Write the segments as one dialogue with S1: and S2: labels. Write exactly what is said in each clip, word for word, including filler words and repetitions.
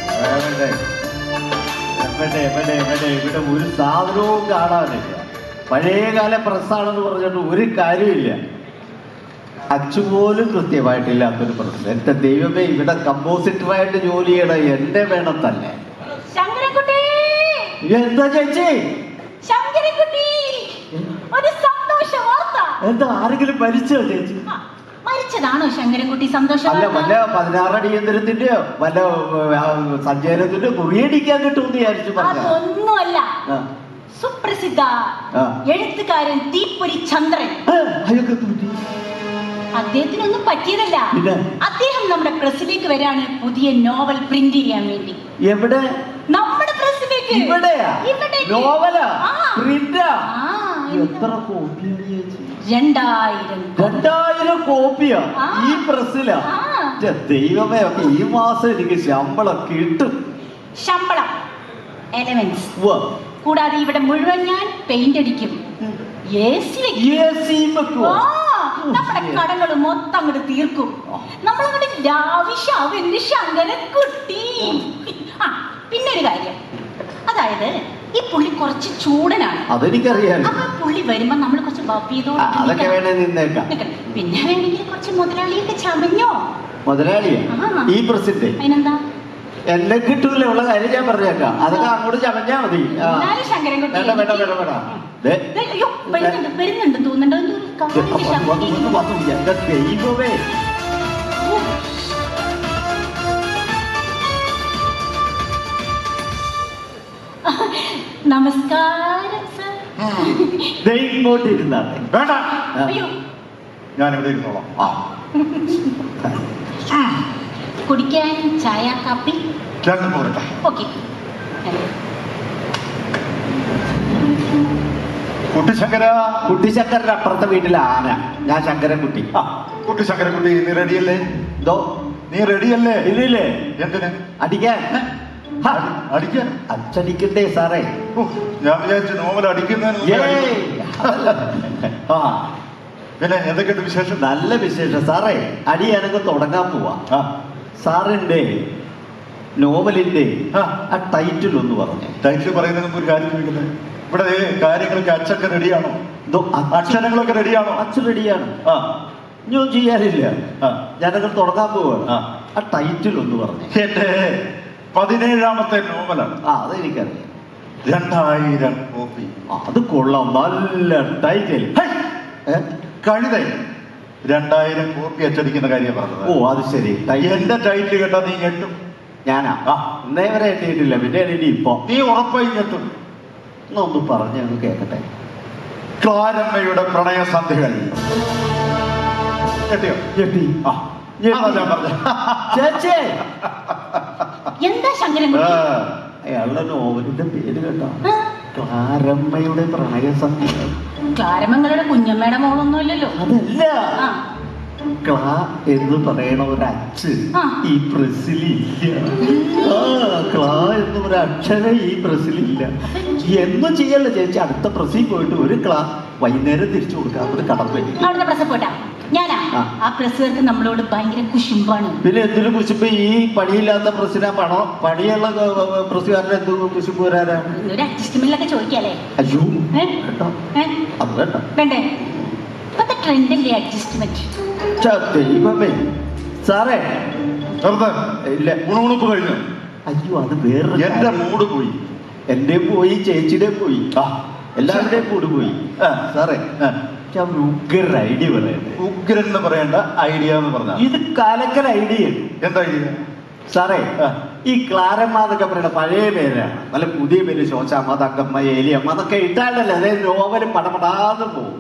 S1: എവിടെ എവിടെ എവിടെ ഇവിടെ ഒരു സാധനവും കാണാനില്ല. പഴയകാല പ്രസ്സാണെന്ന് പറഞ്ഞിട്ട് ഒരു കാര്യമില്ല. അച്ചുപോലും കൃത്യമായിട്ടില്ലാത്തൊരു പ്രസ്. എന്റെ ദൈവമേ, ഇവിടെ കമ്പോസിറ്ററായിട്ട് ജോലി ചെയ്യണം എന്റെ വേണം തന്നെ. എന്താ ചേച്ചി? എന്താ ആരെങ്കിലും മരിച്ചോ ചേച്ചി?
S2: മരിച്ചതാണോ ശങ്കരൻകുട്ടി? സന്തോഷം
S1: അല്ല, വല്ല പതിനാറടിയന്തരത്തിന്റെയോ വല്ല സഞ്ചാരത്തിന്റെ കുറിയടിക്കാൻ കിട്ടുമെന്ന് വിചാരിച്ചു.
S2: അതൊന്നുമല്ല, സുപ്രസിദ്ധ എഴുത്തുകാരൻ തീപ്പൊരി ചന്ദ്രൻ. അദ്ദേഹത്തിനൊന്നും പറ്റിയതല്ല. അദ്ദേഹം നമ്മുടെ പ്രസിലേക്ക് വരാണ് പുതിയ നോവൽ പ്രിന്റ് ചെയ്യാൻ വേണ്ടി.
S1: എവിടെ?
S2: നമ്മുടെ പ്രസിലേക്ക്.
S1: നോവലാ? പ്രിന്റാ? എത്ര കോപ്പിയാ?
S2: രണ്ടായിരം.
S1: രണ്ടായിരം കോപ്പിയാ ഈ പ്രസ്സിലാ? ദൈവമേ, ഈ മാസം എനിക്ക് ശമ്പളം കിട്ടും.
S2: ശമ്പളം എലവൻസ് കൂടാതെ ഇവിടെ മുഴുവൻ ഞാൻ പെയിന്റ് അടിക്കും. നമ്മുടെ കടകൾ മൊത്തം അങ്ങോട്ട് തീർക്കും. നമ്മളങ്ങോട്ട് ലാവിഷാവുന്നു ശങ്കരൻകുട്ടി. ആ പിന്നെ ഒരു കാര്യം, അതായത് ഈ പുള്ളി കുറച്ച് ചൂടനാണ്.
S1: അതെനിക്കറിയാം.
S2: അപ്പൊ പുള്ളി വരുമ്പോ നമ്മൾ കുറച്ച് പിന്നെ വേണമെങ്കിൽ കുറച്ച് മുതലാളിയൊക്കെ ചമഞ്ഞോ.
S1: മുതലാളിയാ ഈ പ്രസിദ്ധി?
S2: അതിനെന്താ,
S1: എന്നെ കിട്ടൂല ഉള്ള കാര്യം ഞാൻ പറഞ്ഞേക്കാം. അതൊക്കെ അങ്ങോട്ട് ചമഞ്ഞാ മതി.
S2: വരുന്നുണ്ട് തോന്നുന്നുണ്ടോ?
S1: ദൈവമേ,
S2: നമസ്കാരം സർ.
S1: ഇങ്ങോട്ട് ഇരുന്നാട്ടെ.
S3: വേണ്ട, ഞാൻ ഇവിടെ ഇരുന്നോളാം.
S2: കുടിക്കാൻ ചായ കാപ്പി
S3: രണ്ടും പോരട്ടെ.
S2: ഓക്കെ.
S3: കുട്ടിശങ്കര.
S1: കുട്ടിശങ്കരന്റെ അപ്പുറത്തെ വീട്ടിലെ ആന. ഞാൻ ശങ്കരൻകുട്ടി.
S3: കുട്ടിശങ്കരൻകുട്ടി, നീ റെഡിയല്ലേ?
S1: എന്തോ?
S3: നീ റെഡിയല്ലേ?
S1: ഇല്ലേ?
S3: എന്തിന്?
S1: അടിക്കാൻ.
S3: അടിക്കാൻ?
S1: അച്ചടിക്കണ്ടേ സാറേ?
S3: ഞാൻ വിചാരിച്ചു നോവൽ അടിക്കുന്നതിന്. പിന്നെ എന്തൊക്കെയുണ്ട് വിശേഷം?
S1: നല്ല വിശേഷം സാറേ. അടി ഞാനൊക്കെ തുടങ്ങാൻ പോവാ. സാറിന്റെ നോവലിന്റെ ആ ടൈറ്റിൽ ഒന്ന് പറഞ്ഞു.
S3: ടൈറ്റിൽ പറയുന്നതിന് മുമ്പ് ഒരു കാര്യം ചോദിക്കുന്നത്, ഇവിടെ കാര്യങ്ങളൊക്കെ അച്ചൊക്കെ റെഡിയാണോ? അക്ഷരങ്ങളൊക്കെ റെഡിയാണോ?
S1: അച്ഛൻ റെഡിയാണ്. ആ ഞാൻ ചെയ്യാനില്ല. ഞാനൊക്കെ തുടങ്ങാൻ പോവാണ്. ആ ടൈറ്റിൽ ഒന്ന് പറഞ്ഞു.
S3: എന്റെ പതിനേഴാമത്തെ നോവലാണ്.
S1: ആ അതെനിക്കറിയാം.
S3: രണ്ടായിരം കോപ്പി.
S1: അത് കൊള്ളാം, നല്ല ടൈറ്റിൽ.
S3: കഴുത രണ്ടായിരം കോപ്പി അച്ചടിക്കുന്ന കാര്യം പറഞ്ഞത്.
S1: ഓ അത് ശരി.
S3: എന്റെ ടൈറ്റിൽ കേട്ടാ നീ ഞെട്ടും.
S1: ഞാനാ? ഇന്നേ വരെ എത്തിയിട്ടില്ല, പിന്നെ ഇനി ഇപ്പൊ
S3: നീ ഉറപ്പായി ഞെട്ടും.
S1: എന്നൊന്ന് പറഞ്ഞ് ഒന്ന് കേക്കട്ടെ.
S3: ക്ലാരമ്മയുടെ പ്രണയസന്ധികൾ. ഞെട്ടിയോ? ഞെട്ടി. ആ
S1: ചേച്ചി,
S2: എന്താ ശങ്കരൻകുട്ടി?
S1: അയാളുടെ നോവലിന്റെ പേര് കേട്ടോ, ക്ലാരമ്മയുടെ പ്രണയസന്ധികൾ.
S2: ക്ലാരമ്മങ്ങളുടെ കുഞ്ഞമ്മയുടെ മോളൊന്നുമില്ലല്ലോ.
S1: അതല്ല, ക്ലാ എന്ന് പറയണ ഒരച്ച് ഈ പ്രസിലില്ല. ആ ക്ലാ എന്ന് ഒരു അക്ഷരം ഈ പ്രസിലില്ല. എന്നും ചെയ്യല്ല ചേച്ചി. അടുത്ത പ്രസിൽ പോയിട്ട് ഒരു ക്ലാ വൈകുന്നേരം തിരിച്ചു കൊടുക്കാം. ഒരു കടമ്പനി
S2: അവിടുത്തെ പ്രസ് പോട്ടാ. ഞാനാ ആ പ്രസ്സുകാർക്ക് നമ്മളോട് ഭയങ്കര കുശുമ്പാണ്.
S1: പിന്നെ എന്തിനു കുശുമ്പ്? ഈ പണിയില്ലാത്ത പ്രസിനാ പണോ? പണിയുള്ള പ്രസ്സുകാരനെ എന്ത് കുശുമ്പ് വരാനാണ്?
S2: ഒരു അഡ്ജസ്റ്റ്മെന്റിലൊക്കെ ചോദിക്കാല്ലേ?
S1: അയ്യോ അത് വേണ്ട.
S2: വേണ്ടേ? ഇപ്പത്തെ ട്രെൻഡല്ലേ അഡ്ജസ്റ്റ്മെന്റ്.
S1: ദൈവമേ സാറേ,
S3: ഇല്ല ഉണുണുപ്പ് കഴിഞ്ഞു.
S1: അയ്യോ അത് വേറെ.
S3: എന്റെ മൂഡ് പോയി.
S1: എന്റെ പോയി, ചേച്ചിയുടെ പോയി, എല്ലാവരുടെയും മൂഡ് പോയി. സാറേ ഉഗ്രൻ ഐഡിയ പറയണ്ടേ?
S3: ഉഗ്രൻ എന്ന് പറയേണ്ട ഐഡിയ എന്ന് പറഞ്ഞ
S1: ഇത് കാലക്കൽ ഐഡിയ.
S3: എന്താ ഐഡിയ
S1: സാറേ? ഈ ക്ലാരമ്മ എന്നൊക്കെ പറയണ പഴയ പേരാണ്. നല്ല പുതിയ പേര് ശോശാമ്മ, തങ്കമ്മ, ഏലിയമ്മ എന്നൊക്കെ ഇട്ടാലല്ലേ അതായത് നോവലും പടപടാതെ പോകും.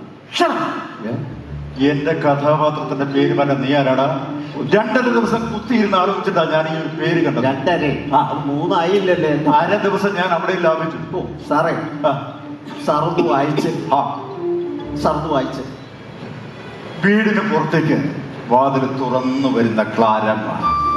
S3: എന്റെ കഥാപാത്രത്തിന്റെ പേര് പറഞ്ഞ നീ ആരാടാ? രണ്ടര ദിവസം കുത്തിയിരുന്ന് ആലോചിച്ചിട്ടാ ഞാൻ ഈ ഒരു പേര് കണ്ടത്.
S1: രണ്ടരേ? ആ മൂന്നായില്ലല്ലേ?
S3: അര ദിവസം ഞാൻ അവിടെ ലാഭിച്ചു.
S1: ഓ സാറേ, സാറൊന്ന് വായിച്ച്. ആ സാറൊന്ന് വായിച്ച്.
S3: വീടിന് പുറത്തേക്ക് വാതിൽ തുറന്നു വരുന്ന ക്ലാരമ്മ.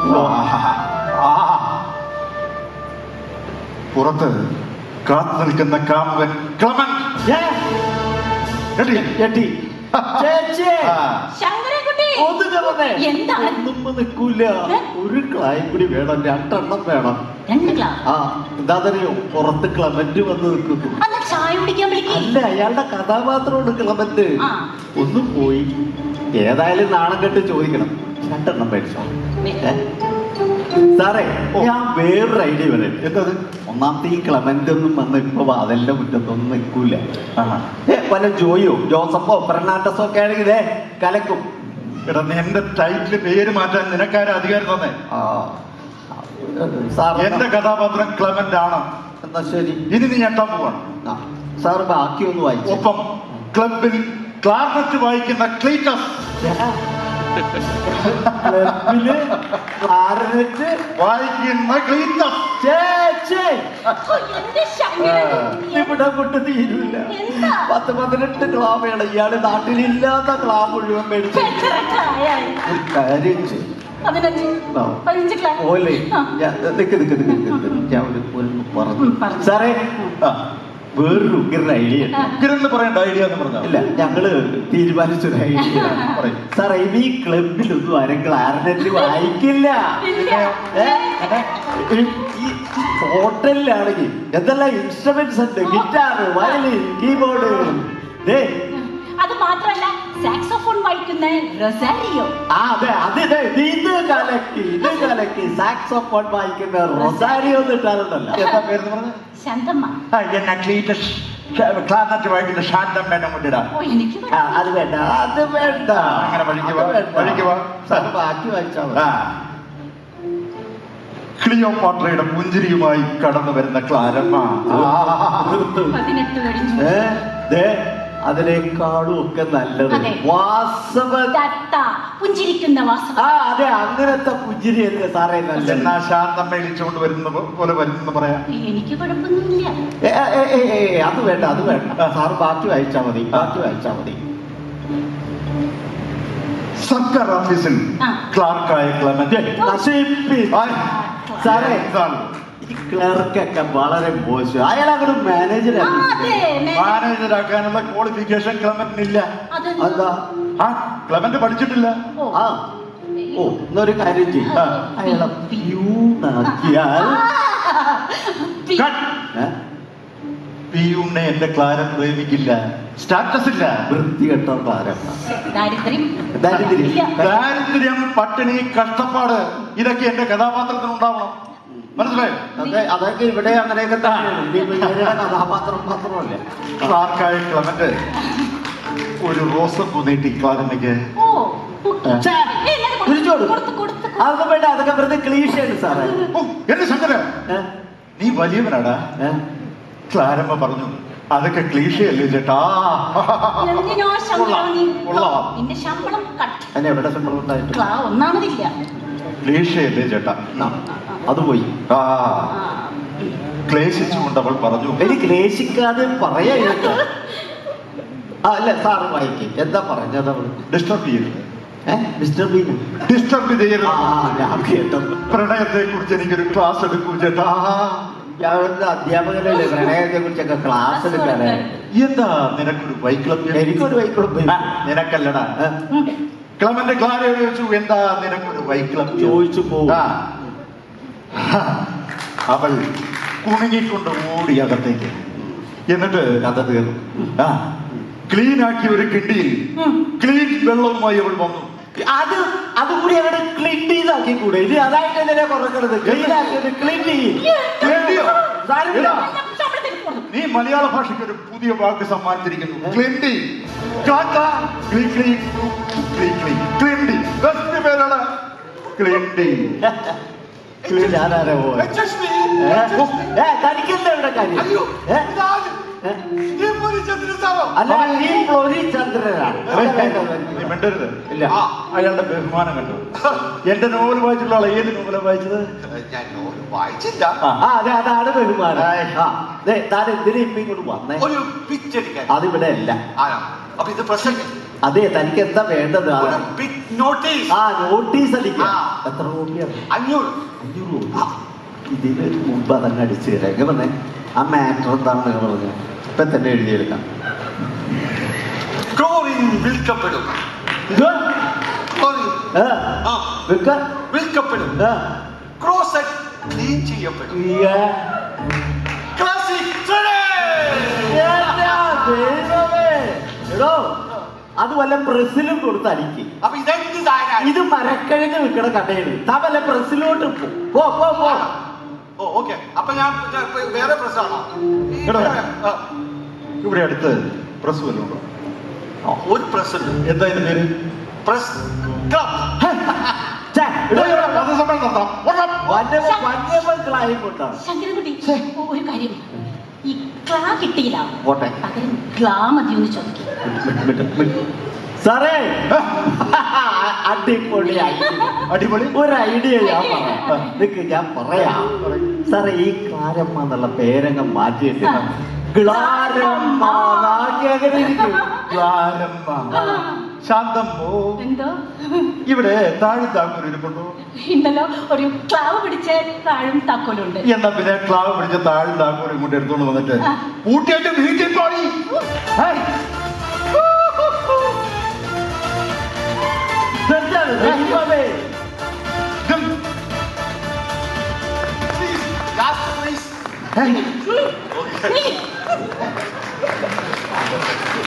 S3: പുറത്ത് കാത്തു നിൽക്കുന്ന കാമുകൻ ക്ലമൻ.
S2: ശങ്കരൻകുട്ടി എന്താണ്?
S1: ഒന്നും നിൽക്കൂല. ഒരു ക്ലായും കൂടി വേണം, രണ്ടെണ്ണം വേണം.
S2: രണ്ട് ക്ലാസ്?
S1: ആ എന്താണെന്നറിയോ, പുറത്ത് ക്ലമന്റ് വന്ന് നിൽക്കുന്നു.
S2: അന്ന് ചായ കുടിക്കാൻ വിളിക്കും.
S1: അല്ല, അയാളുടെ കഥാപാത്രമുണ്ട് ക്ലമന്റ്.
S2: ആ.
S1: ഒന്ന് പോയി ഏതായാലും നാണം കെട്ട് ചോദിക്കണം. രണ്ടെണ്ണം മേടിച്ചോ. ഏ? സാറേ, ഞാൻ വേറൊരു ഐഡിയ പറയാം.
S3: എന്തത്?
S1: ഒന്നാമത്തെ ഈ ക്ലമന്റ് ഒന്നും വന്ന് ഇപ്പൊ വാതലിന്റെ മുറ്റത്തൊന്നും നിൽക്കൂല. ഏ വല്ല ജോയോ ജോസഫോ ഫെർണാണ്ടസോ ഒക്കെ ആണെങ്കിൽ കലക്കും.
S3: എടാ, എന്റെ ടൈറ്റില് പേര് മാറ്റാൻ നിനക്കാരും അധികാരം തന്നെ.
S1: ആ സാർ,
S3: എന്റെ കഥാപാത്രം ക്ലെമന്റ് ആണ്.
S1: എന്നാ ശരി,
S3: ഇനി നീ ഞെട്ടാൻ പോവാണ്.
S1: ആ സാർ ബാക്കി ഒന്ന് വായിച്ചു.
S3: ഒപ്പം ക്ലബിൽ ക്ലാർനെറ്റ് വായിക്കുന്ന ക്ലീറ്റസ്,
S1: ക്ലബില് ക്ലാർനെറ്റ്
S3: വായിക്കുന്ന ക്ലീറ്റസ്.
S1: ഇവിടെ കൊണ്ട് തീരില്ല. പത്ത് പതിനെട്ട് ക്ലാബുകൾ ഇയാള് നാട്ടിലില്ലാത്ത ക്ലാബ് മുഴുവൻ മേടിച്ചു. ഒരു കാര്യം ചെയ്യും പോലെ നിക്ക് നിക്ക് നിക്ക് നിക്ക് ഞാൻ ഒരു ഒന്ന് പറഞ്ഞു. സാറേ, വേറൊരു ഉഗ്രൻ ഐഡിയ.
S3: ഉഗ്രൻ പറയേണ്ട ഐഡിയ എന്ന് പറഞ്ഞാൽ
S1: ഇല്ല, ഞങ്ങള് തീരുമാനിച്ചൊരു ഐഡിയ പറയും. സാറേ, ഈ ക്ലബിലൊന്നും ആരും ക്ലാർനെറ്റ് വായിക്കില്ല. ഈ ഹോട്ടലിലാണെങ്കിൽ എന്തെല്ലാം ഇൻസ്ട്രുമെന്റ്സ് ഉണ്ട്, ഗിറ്റാർ, വയലിൻ, കീബോർഡ്.
S2: അത് മാത്രല്ല സാക്സോഫോൺ വായിക്കുന്ന റൊസാരിയോ.
S1: ആ അതെ, അത് ഇത് കലക്കി ഇത് കലക്കി സാക്സോഫോൺ വായിക്കുന്ന റൊസാരിയോ എന്ന് ഇട്ടാറുണ്ടല്ലോ.
S3: എന്താ പേര് പറഞ്ഞു?
S2: ശാന്തമ്മ.
S3: എന്നെ ക്ലീറ്റസ് ക്ലാർനെറ്റ് വായിക്കുന്ന ശാന്തമ്മേനെ കൊണ്ടിടാം.
S2: ഓ, എനിക്ക്
S1: ആ, അത് വേണ്ട, അത് വേണ്ട.
S3: അങ്ങനെ വഴിക്ക് വാ,
S1: അത് വേണ്ട.
S3: വഴിക്ക് വാ.
S1: സാർ ബാക്കി വായിച്ചാൽ മതി.
S3: ആ, ക്ലിയോപാട്രയുടെ പുഞ്ചിരിയുമായി കടന്നു വരുന്ന ക്ലാരമ്മ.
S2: പതിനെട്ട് കഴിഞ്ഞു.
S1: ഏ, ദേ, അതിനേക്കാളും ഒക്കെ നല്ലത്
S2: അതെ.
S1: വാസവ.
S2: തത്ത, പുഞ്ചിരിക്കുന്ന വാസവ.
S1: ആ അതെ, അങ്ങനത്തെ പുഞ്ചിരി അല്ലേ സാറേ നല്ലത്.
S3: എന്നാ ശാന്തമ്മ ഇളിച്ചുകൊണ്ട് വരുന്ന പോലെ വരുന്നെന്ന് പറയാം.
S2: എനിക്ക് കുഴപ്പമൊന്നുമില്ല.
S1: ഏ, ഏ, ഏ, ഏ, ഏ, അത് വേണ്ട, അത് വേണ്ട. സാറ് ബാക്കി വായിച്ചാ മതി, ബാക്കി വായിച്ചാ മതി.
S3: സർക്കാർ ഓഫീസിൽ
S2: ആ.
S3: ക്ലാർക്കായ ക്ലെമന്റ്.
S1: നശിപ്പിച്ചു. സാറേ, ഈ ക്ലർക്കൊക്കെ വളരെ മോശം. അയാൾ അങ്ങോട്ട്
S2: ആ, അതെ,
S1: മാനേജറാക്കി.
S2: May-
S3: മാനേജരാക്കാനുള്ള qualification ക്ലെമന്റിനില്ല.
S2: അതെന്താ?
S1: എന്താ?
S3: ആ, ക്ലെമന്റ് പഠിച്ചിട്ടില്ല.
S2: ഓ.
S1: ആ ഓ എന്നൊരു കാര്യം ചെയ്യും,
S2: ആ.
S1: അയാളെ പ്യൂണാക്കിയാൽ.
S2: P-
S3: cut.
S1: ഏ?
S3: പിയുണ്ണെ എന്റെ ക്ലാരം പ്രേമിക്കില്ല. സ്റ്റാറ്റസ് ഇല്ല.
S1: വൃത്തികെട്ട താരം.
S2: ദാരിദ്ര്യം
S1: ദാരിദ്ര്യം.
S2: ഇല്ല.
S3: ദാരിദ്ര്യം, പട്ടിണി, കഷ്ടപ്പാട്, ഇതൊക്കെ എന്റെ കഥാപാത്രത്തിന് ഉണ്ടാവണം. മനസ്സിലായോ?
S1: അതെ, അതൊക്കെ ഇവിടെ അങ്ങനെയൊക്കെ തന്നെയാണ്. ഇനി ഇവരുടെ കഥാപാത്രം മാത്രമല്ല.
S3: ക്ലാർക്കായ ക്ലെമന്റ് ഒരു റോസപ്പൂ നീട്ടി ക്ലാരമ്മയ്ക്ക്.
S2: ഓ, ബുക്ക്.
S1: ഛേ,
S2: ഏയ്, ഞാൻ കൊടുത്തു,
S1: തിരിച്ചു കൊടുക്കും.
S2: കൊടുത്തു, കൊടുത്തു, കൊടുത്തു.
S1: അതൊക്കെ വേണ്ട, അതൊക്കെ വെറുതെ ക്ലീശയാണ് സാറേ.
S3: ഓ, എന്റെ ശങ്കര,
S1: ഏ?
S3: നീ വലിയവനാടാ.
S1: ഏ?
S3: ക്ലാരമ്മ പറഞ്ഞു, അതൊക്കെ ക്ലീശയല്ലേ ചേട്ടാ.
S2: എന്തിനോ ശമ്പളം
S3: കൊള്ളാം,
S2: നീ-
S3: കൊള്ളാം.
S2: നിന്റെ ശമ്പളം കട്ട്.
S1: അതിന് എവിടെ ശമ്പളം ഉണ്ടായിട്ട്?
S2: ക്ലാ ഒന്നാമതില്ല.
S3: ക്ലീശയല്ലേ ചേട്ടാ.
S1: ആ, അത് പോയി.
S3: ആ,
S2: ആ,
S3: ക്ലേശിച്ചുകൊണ്ട് അവൾ പറഞ്ഞു,
S1: ഇനി ക്ലേശിക്കാതെ പറയാ കേട്ടോ. ആ അല്ല, സാറ് വായിക്കും. എന്താ പറഞ്ഞത് അവള്?
S3: ഡിസ്റ്റർബ് ചെയ്യരുത്.
S1: ഏഹ് മിസ്റ്റർ ബീൻ.
S3: ഡിസ്റ്റർബ് ചെയ്യരുത്.
S1: ആ ഞാൻ കേട്ടത്.
S3: പ്രണയത്തെ കുറിച്ച് എനിക്കൊരു ക്ലാസ് എടുക്കൂ ചേട്ടാ.
S1: ഞാൻ ഒരു അധ്യാപകനല്ലേ, പ്രണയത്തെ കുറിച്ചൊക്കെ ക്ലാസ് എടുക്കാനേ.
S3: എന്താ നിനക്കൊരു വൈക്ലഭ്യം?
S1: എനിക്കൊരു വൈക്കോളും
S3: ആ, നിനക്കല്ലടാ.
S2: ഉം.
S3: ക്ലമന്റ് ക്ലാരയോട് ചോദിച്ചു, എന്താ നിനക്കൊരു വൈക്ലഭ്യം?
S1: ചോദിച്ചു പോകും.
S3: ആ. അവൾ കുണുങ്ങിക്കൊണ്ട് ഓടി അകത്തേക്ക്. എന്നിട്ട്
S1: കഥ തീർന്നു.
S3: ആ ക്ലീൻ ആക്കി ഒരു കിണ്ടിയിൽ
S2: ഉം.
S3: ക്ലീൻ വെള്ളവുമായി അവൾ വന്നു.
S1: അത് അതുകൂടി അങ്ങോട്ട് ക്ലീൻ ചെയ്താക്കി കൂടെ. ഇനി അതായിട്ട് എന്തിനാ കുറക്കരുത്? ക്ലീൻ ആക്കിയത് ക്ലീൻ ചെയ്യും.
S3: Clean ചെയ്യോ?
S1: സാരമില്ല.
S3: ഇതാ,
S2: ശമ്പളത്തിന് കൊടുത്തു.
S3: നീ മലയാള ഭാഷയ്ക്ക് ഒരു പുതിയ വാക്ക് സമ്മാനിച്ചിരിക്കുന്നു. ക്ലിൻഡി. കാക്ക. Clean clean clean clean Clindy. Best പേരാണ് ക്ലിൻഡി.
S1: ക്ലീൻ ഞാനാരാ പോവാ? ഏ തനിക്കെന്താ ഇവിടെ കാര്യം? ഏ? ഏ? അല്ല, ഈ ഫ്ലോറി ചന്ദ്രനാണ്.
S3: നീ മിണ്ടരുത്.
S1: ഇല്ല.
S3: ആ, അയാളുടെ ബഹുമാനം കണ്ടു. എന്റെ നോവൽ വായിച്ചിട്ടുള്ള ആളെ ഏത് നോവലാണ് വായിച്ചത്?
S4: ഞാൻ നോവൽ വായിച്ചില്ല.
S3: ആ,
S1: ആ അതെ, അതാണ് ബഹുമാനം. ആ ദേ, താൻ എന്തിനാ ഇപ്പൊ ഇങ്ങോട്ട് വന്നേ?
S4: ഒരു പിച്ച് അടിക്കാൻ.
S1: അതിവിടെ അല്ല.
S4: ആണോ? അപ്പൊ ഇത് പ്രസന്റ്
S1: അതെ, തനിക്ക് എന്താ വേണ്ടത്? ആ,
S4: ഒരു ബിഗ് നോട്ടീസ്.
S1: ആ നോട്ടീസ് അടിക്കാം.
S4: ആ.
S1: എത്ര കോപ്പിയാണ്?
S4: അഞ്ഞൂറ്.
S1: അഞ്ഞൂറ് കോപ്പി. ഇതിന് മുമ്പ് അതങ്ങ് അടിച്ചു തരാം. എങ്ങനെ പറഞ്ഞേ? ആ മാറ്റർ എന്താണെന്ന് പറഞ്ഞു ഇപ്പൊ തന്നെ എഴുതിയെടുക്കാം.
S4: ക്ലോറിൻ വിൽക്കപ്പെടും.
S1: ഇത്
S4: ക്ലോറിൻ
S1: ആ,
S4: ആ
S1: വിൽക്ക
S4: വിൽക്കപ്പെടും
S1: ആ,
S4: ക്ലോസറ്റ് ക്ലീൻ ചെയ്യപ്പെടും
S1: ഇയ്യ.
S4: ക്ലാസിക്
S1: എന്താ ദൈവമേ. എടോ അത് വല്ല പ്രസിലും കൊടുത്ത് അടിക്ക്.
S4: അപ്പൊ ഇതെന്ത് സാധനം
S1: ഇത് മരക്കഴിഞ്ഞ് വിൽക്കണ കടയാണ്. താ വല്ല പ്രസിലോട്ട് പോ പോ പോ പോ.
S4: ഓ ഓക്കെ അപ്പൊ ഞാൻ ഞാൻ ഇപ്പൊ വേറെ പ്രശ്നമാണോ
S3: എടോ. ഇവിടെ അടുത്ത് പ്രസ് വല്ലതും ഉണ്ടോ?
S4: ഒരു പ്രസ് ഉണ്ട്
S3: എന്താ ഇതിന്റെ പേര്?
S4: പ്രസ് ക്ലബ്
S1: ഛെ, എടോ, എടോ,
S3: പത്രസമ്മേളനം നടത്താം. വരണം.
S1: വന്യമ- വന്യമക്കളായി കൊണ്ടാണ്.
S2: ശങ്കരൻകുട്ടി ഒരു കാര്യം ഈ ക്ലാ കിട്ടിയില്ല
S1: പോട്ടെ.
S2: പകരം ക്ലാ മതി ഒന്ന് ചോദിക്കും
S1: മിട്ട്, മിട്ട്, മിട്ട്. സാറേ അടിപൊളി idea.
S3: അടിപൊളി.
S1: ഒരു ഐഡിയ ഞാൻ പറയാം. നിക്ക് ഞാൻ പറയാം. സാറേ ഈ ക്ലാരമ്മ എന്നുള്ള പേരങ്ങ് മാറ്റിയിട്ട്
S2: ആ.
S1: ക്ലാരമ്മ എന്നാക്കി അങ്ങനെ ഇരിക്കും.
S3: ക്ലാരമ്മ. ശാന്തമ്മോ,
S2: എന്തോ
S3: ഇവിടെ താഴെ താങ്കൂർ ഇരിപ്പുണ്ടോ?
S2: ഉണ്ടല്ലോ ഒരു ക്ലാവ് പിടിച്ച താഴും താക്കോലുണ്ട്
S3: എന്നാ പിന്നെ ക്ലാവ് പിടിച്ച താഴെ താങ്കൂർ ഇങ്ങോട്ട് എടുത്തോണ്ട് വന്നിട്ട്
S2: ആ.
S3: ഊട്ടിയായിട്ട് വീട്ടിൽ പോയി.
S1: ഇതെന്താണ് ദൈവമേ?
S4: പ്ലീസ് ലാസ്റ്റ് പ്ലീസ്
S2: നീ-